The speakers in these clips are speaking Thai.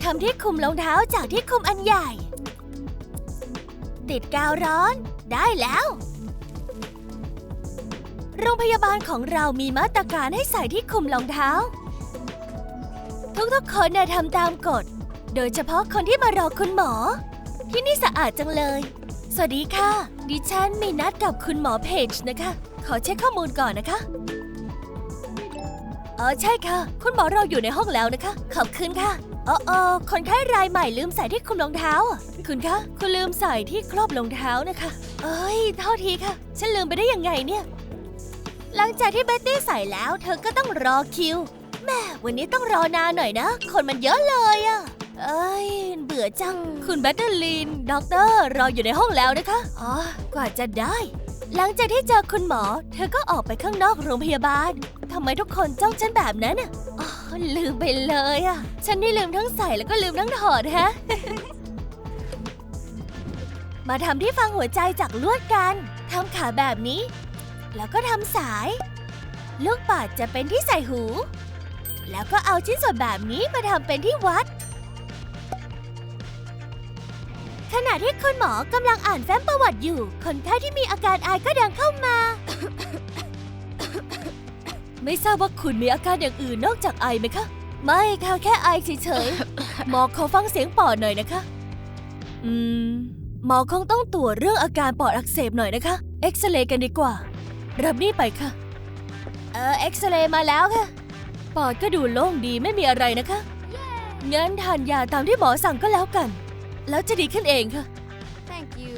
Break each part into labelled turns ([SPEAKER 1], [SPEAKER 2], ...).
[SPEAKER 1] ำที่คลุมรองเท้าจากที่คลุมอันใหญ่ติดกาวร้อนได้แล้วโรงพยาบาลของเรามีมาตรการให้ใส่ที่คลุมรองเท้าทุกๆคนทำตามกฎโดยเฉพาะคนที่มารอคุณหมอที่นี่สะอาดจังเลยสวัสดีค่ะดิฉันมีนัดกับคุณหมอเพจนะคะขอเช็คข้อมูลก่อนนะคะใช่ค่ะคุณหมอเราอยู่ในห้องแล้วนะคะขอบคุณค่ะคนไข้รายใหม่ลืมใส่ที่คลุมรองเท้าคุณคะคุณลืมใส่ที่ครอบรองเท้านะคะโทษทีค่ะฉันลืมไปได้ยังไงเนี่ยหลังจากที่เบ็ตตี้ใส่แล้วเธอก็ต้องรอคิวแม่วันนี้ต้องรอนานหน่อยนะคนมันเยอะเลยเบื่อจังคุณแบตเตอร์ลินด็อกเตอร์รออยู่ในห้องแล้วนะคะกว่าจะได้หลังจากที่เจอคุณหมอเธอก็ออกไปข้างนอกโรงพยาบาลทำไมทุกคนจ้องฉันแบบนั้นลืมไปเลยฉันนี่ลืมทั้งใส่แล้วก็ลืมทั้งถอดฮะ มาทำที่ฟังหัวใจจากลวดกันทำขาแบบนี้แล้วก็ทำสายลูกปัดจะเป็นที่ใส่หูแล้วก็เอาชิ้นส่วนแบบนี้มาทำเป็นที่วัดขณะที่คุณหมอกำลังอ่านแฟ้มประวัติอยู่คนไข้ที่มีอาการไอก็เดินเข้ามา ไม่ทราบว่าคุณมีอาการอย่างอื่นนอกจากไอไหมคะไม่ค่ะแค่ไอเฉยๆ หมอขอฟังเสียงปอดหน่อยนะคะหมอคงต้องตรวจเรื่องอาการปอดอักเสบหน่อยนะคะเอ็กซเรย์กันดีกว่ารับนี่ไปค่ะเอ็กซเรย์มาแล้วค่ะปอดก็ดูโล่งดีไม่มีอะไรนะคะงั้นทานยาตามที่หมอสั่งก็แล้วกันแล้วจะดีขึ้นเองค่ะ
[SPEAKER 2] Thank you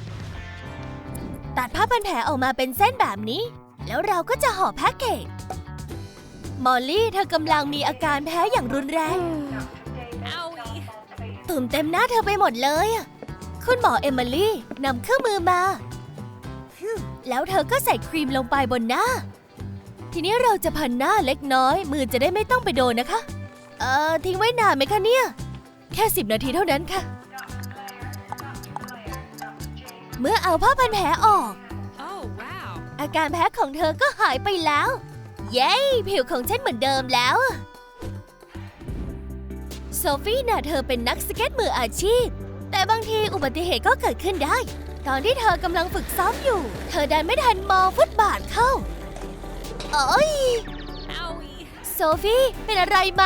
[SPEAKER 1] ตัดผ้าพันแผลออกมาเป็นเส้นแบบนี้แล้วเราก็จะห่อแพ็กเกจมอลลี่เธอกำลังมีอาการแพ้อย่างรุนแรงตุ่มเต็มหน้าเธอไปหมดเลยคุณหมอเอมิลี่นำเครื่องมือมาแล้วเธอก็ใส่ครีมลงไปบนหน้าทีนี้เราจะพันหน้าเล็กน้อยมือจะได้ไม่ต้องไปโดนนะคะทิ้งไว้นานไหมคะเนี่ยแค่10 นาทีเท่านั้นค่ะเมื่อเอาผ้าพันแผลออกอาการแพ้ของเธอก็หายไปแล้วเย้ผิวของฉันเหมือนเดิมแล้วโซฟี่น่ะเธอเป็นนักสเก็ตมืออาชีพแต่บางทีอุบัติเหตุก็เกิดขึ้นได้ตอนที่เธอกำลังฝึกซ้อมอยู่เธอดันไม่ทันมองฟุตบาทเข้าโซฟี่เป็นอะไรไหม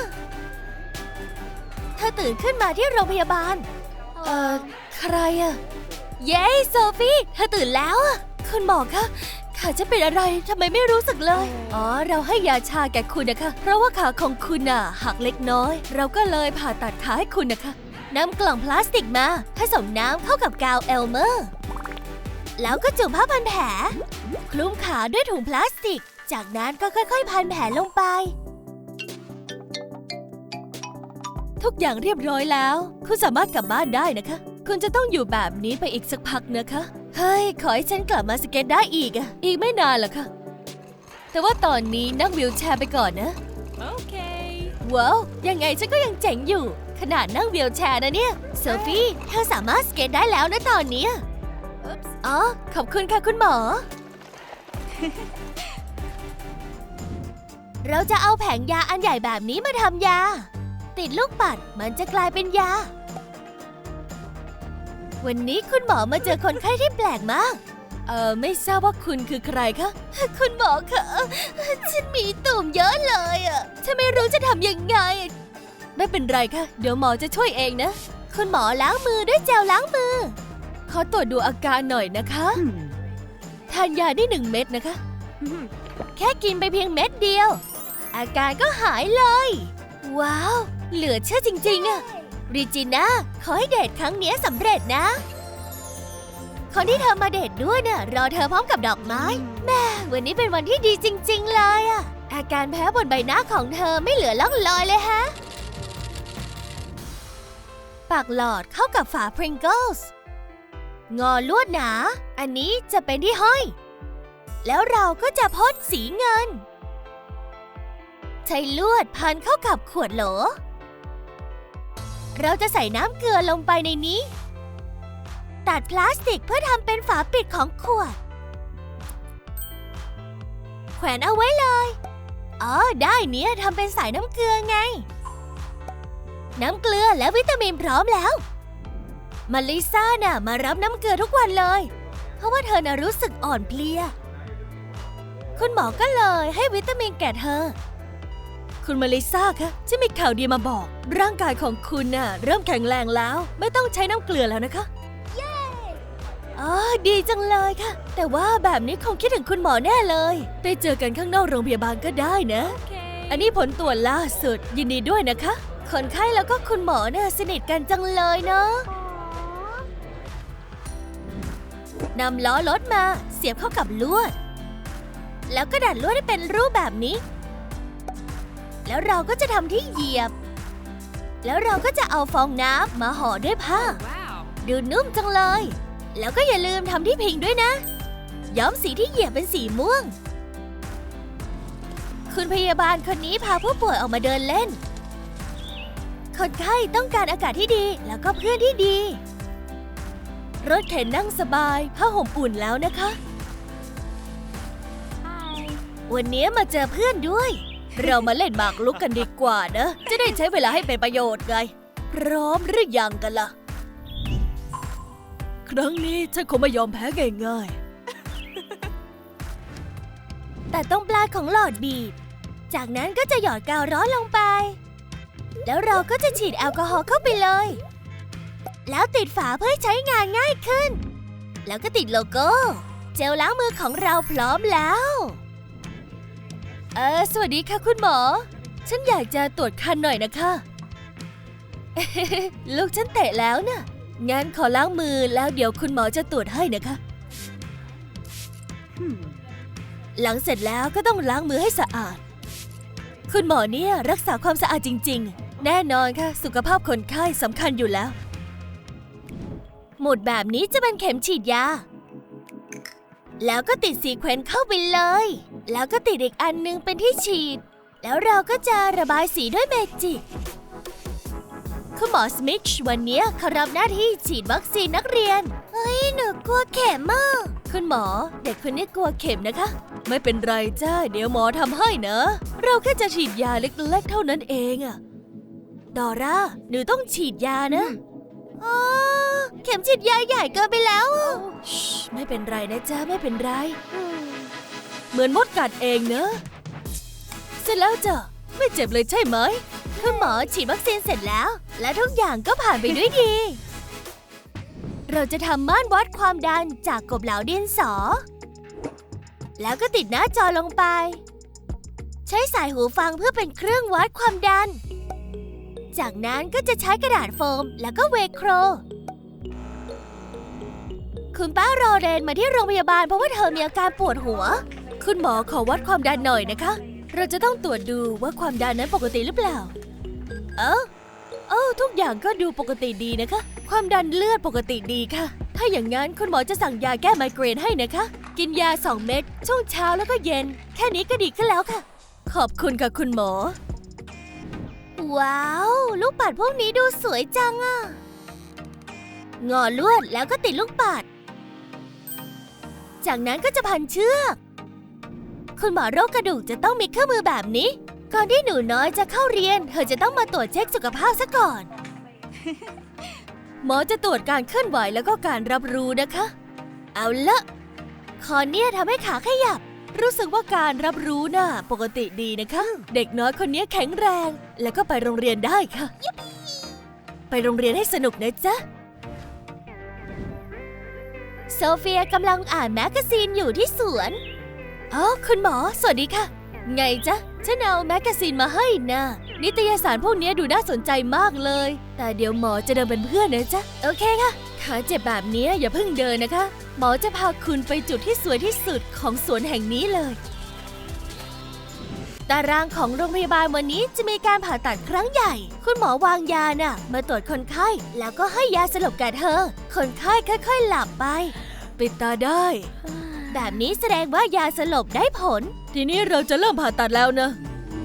[SPEAKER 1] เธอตื่นขึ้นมาที่โรงพยาบาลใครเย้โซฟี่เธอตื่นแล้วคุณหมอคะขาจะเป็นอะไรทำไมไม่รู้สึกเลยเราให้ยาชาแก่คุณนะคะเพราะว่าขาของคุณหักเล็กน้อยเราก็เลยผ่าตัดขาให้คุณนะคะนำกล่องพลาสติกมาผสมน้ำเข้ากับกาวเอลเมอร์แล้วก็จุ่มผ้าพันแผลคลุมขาด้วยถุงพลาสติกจากนั้นก็ค่อยๆพันแผลลงไปทุกอย่างเรียบร้อยแล้วคุณสามารถกลับบ้านได้นะคะคุณจะต้องอยู่แบบนี้ไปอีกสักพักนะคะเฮ้ยขอให้ฉันกลับมาสเก็ตได้อีกไม่นานหรอกค่ะแต่ว่าตอนนี้นั่งวีลแชร์ไปก่อนนะโอเคว้าวยังไงฉันก็ยังเจ๋งอยู่ขนาดนั่งวีลแชร์นะเนี่ยโซฟี่เธอสามารถสเก็ตได้แล้วนะตอนนี้ขอบคุณค่ะคุณหมอ เราจะเอาแผงยาอันใหญ่แบบนี้มาทำยาติดลูกปัดมันจะกลายเป็นยาวันนี้คุณหมอมาเจอคนไข้ที่แปลกมากไม่ทราบว่าคุณคือใครคะคุณหมอคะฉันมีตุ่มเยอะเลยฉันไม่รู้จะทำยังไงไม่เป็นไรค่ะเดี๋ยวหมอจะช่วยเองนะคุณหมอล้างมือด้วยเจลล้างมือขอตรวจดูอาการหน่อยนะคะทานยาได้1 เม็ดนะคะแค่กินไปเพียงเม็ดเดียวอาการก็หายเลยว้าวเหลือเชื่อจริงๆรีจิน่าขอให้เดทครั้งนี้สำเร็จนะคนที่เธอมาเดทด้วยรอเธอพร้อมกับดอกไม้แม่วันนี้เป็นวันที่ดีจริงๆเลยอาการแพ้บนใบหน้าของเธอไม่เหลือล่องลอยเลยฮะปากหลอดเข้ากับฝา Pringles งอลวดหนาอันนี้จะเป็นที่ห้อยแล้วเราก็จะพ่นสีเงินใช้ลวดพันเข้ากับขวดโหลเราจะใส่น้ำเกลือลงไปในนี้ตัดพลาสติกเพื่อทำเป็นฝาปิดของขวดแขวนเอาไว้เลยได้เนี่ยทำเป็นสายน้ำเกลือไงน้ำเกลือและวิตามินพร้อมแล้วมาลิซ่าน่ะมารับน้ำเกลือทุกวันเลยเพราะว่าเธอน่ะรู้สึกอ่อนเพลียคุณหมอก็เลยให้วิตามินแก่เธอคุณมาลิซ่าคะฉันมีข่าวดีมาบอกร่างกายของคุณน่ะเริ่มแข็งแรงแล้วไม่ต้องใช้น้ำเกลือแล้วนะคะอ๋อดีจังเลยค่ะแต่ว่าแบบนี้คงคิดถึงคุณหมอแน่เลยไปเจอกันข้างนอกโรงพยาบาลก็ได้นะ อันนี้ผลตรวจล่าสุดยินดีด้วยนะคะคนไข้แล้วก็คุณหมอเนี่ยสนิทกันจังเลยเนาะนำล้อรถมาเสียบเข้ากับลวดแล้วก็ดัดลวดให้เป็นรูปแบบนี้แล้วเราก็จะทำที่เหยียบแล้วเราก็จะเอาฟองน้ำมาห่อด้วยผ้าดูนุ่มจังเลยแล้วก็อย่าลืมทำที่พิงด้วยนะย้อมสีที่เหยียบเป็นสีม่วงคุณพยาบาลคนนี้พาผู้ป่วยออกมาเดินเล่นคนไข้ต้องการอากาศที่ดีแล้วก็เพื่อนที่ดีรถเข็นนั่งสบายผ้าห่มอุ่นแล้วนะคะวันนี้มาเจอเพื่อนด้วยเรามาเล่นหมากรุกกันดีกว่านะจะได้ใช้เวลาให้เป็นประโยชน์ไงพร้อมหรือยังกันล่ะครั้งนี้ฉันคงไม่ยอมแพ้ง่ายๆแต่ต้องปลายของหลอดบีบจากนั้นก็จะหยอดกาวร้อนลงไปแล้วเราก็จะฉีดแอลกอฮอล์เข้าไปเลยแล้วติดฝาเพื่อใช้งานง่ายขึ้นแล้วก็ติดโลโก้เจลล้างมือของเราพร้อมแล้วสวัสดีค่ะคุณหมอฉันอยากจะตรวจคันหน่อยนะคะ ลูกฉันเตะแล้วน่ะงั้นขอล้างมือแล้วเดี๋ยวคุณหมอจะตรวจให้นะคะ หลังเสร็จแล้วก็ต้องล้างมือให้สะอาดคุณหมอเนี่ยรักษาความสะอาดจริงๆแน่นอนค่ะสุขภาพคนไข้สำคัญอยู่แล้วหมุดแบบนี้จะเป็นเข็มฉีดยาแล้วก็ติดซีเควนซ์เข้าไปเลยแล้วก็ติดอีกอันนึงเป็นที่ฉีดแล้วเราก็จะระบายสีด้วยเมจิกคุณหมอสมิธวันนี้เขารับหน้าที่ฉีดวัคซีนนักเรียนเฮ้ยหนูกลัวเข็มมากคุณหมอเด็กคนนี้กลัวเข็มนะคะไม่เป็นไรจ้าเดี๋ยวหมอทำให้นะเราแค่จะฉีดยาเล็กๆเท่านั้นเองอะดอร่าหนูต้องฉีดยานะเข็มฉีดยาใหญ่เกินไปแล้วไม่เป็นไรนะจ้าไม่เป็นไรเหมือนมดกัดเองเนอะเสร็จแล้วจ้ะไม่เจ็บเลยใช่ไหมคุณหมอฉีดวัคซีนเสร็จแล้วและทุกอย่างก็ผ่านไปด้วยดีเราจะทำม่านวัดความดันจากกบเหลาดินสอแล้วก็ติดหน้าจอลงไปใช้สายหูฟังเพื่อเป็นเครื่องวัดความดันจากนั้นก็จะใช้กระดาษโฟมแล้วก็เวโครคุณป้ารอเรนมาที่โรงพยาบาลเพราะว่าเธอมีอาการปวดหัวคุณหมอขอวัดความดันหน่อยนะคะเราจะต้องตรวจดูว่าความดันนั้นปกติหรือเปล่าทุกอย่างก็ดูปกติดีนะคะความดันเลือดปกติดีค่ะถ้าอย่างนั้นคุณหมอจะสั่งยาแก้ไมเกรนให้นะคะกินยา2 เม็ดช่วงเช้าแล้วก็เย็นแค่นี้ก็ดีขึ้นแล้วค่ะขอบคุณค่ะคุณหมอว้าวลูกปัดพวกนี้ดูสวยจังอะงอลวดแล้วก็ติดลูกปัดจากนั้นก็จะพันเชือกคุณหมอโรคกระดูกจะต้องมีเครื่องมือแบบนี้ก่อนที่หนูน้อยจะเข้าเรียนเธอจะต้องมาตรวจเช็คสุขภาพซะก่อน หมอจะตรวจการเคลื่อนไหวแล้วก็การรับรู้นะคะเอาละคอเนี่ยทำให้ขาขยับรู้สึกว่าการรับรู้น่ะปกติดีนะคะเด็กน้อยคนนี้แข็งแรงแล้วก็ไปโรงเรียนได้ค่ะไปโรงเรียนให้สนุกนะจ๊ะโซเฟียกำลังอ่านแมกกาซีนอยู่ที่สวนคุณหมอสวัสดีค่ะไงจ๊ะฉันเอาแมกกาซีนมาให้นะนิตยสารพวกนี้ดูน่าสนใจมากเลยแต่เดี๋ยวหมอจะเดินเป็นเพื่อนนะจ๊ะโอเคค่ะขาเจ็บแบบนี้อย่าเพิ่งเดินนะคะหมอจะพาคุณไปจุดที่สวยที่สุดของสวนแห่งนี้เลยตารางของโรงพยาบาลวันนี้จะมีการผ่าตัดครั้งใหญ่คุณหมอวางยาน่ะมาตรวจคนไข้แล้วก็ให้ยาสลบแก่เธอคนไข้ค่อยๆหลับไปปิดตาได้แบบนี้แสดงว่ายาสลบได้ผลทีนี้เราจะเริ่มผ่าตัดแล้วนะ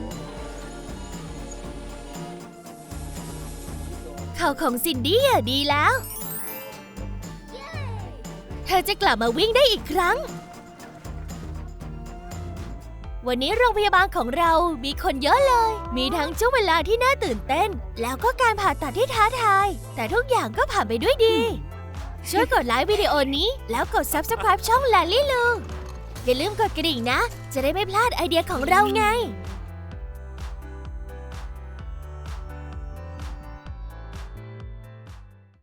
[SPEAKER 1] เข่าของซินดี้ดีแล้วเธอจะกลับมาวิ่งได้อีกครั้งวันนี้โรงพยาบาลของเรามีคนเยอะเลย มีทั้งช่วงเวลาที่น่าตื่นเต้น แล้วก็การผ่าตัดที่ท้าทาย แต่ทุกอย่างก็ผ่านไปด้วยดี ช่วยกดไลค์วิดีโอนี้แล้วกด Subscribe ช่อง Lally Lu อย่าลืมกดกระดิ่งนะ จะได้ไม่พลาดไอเดียของเราไง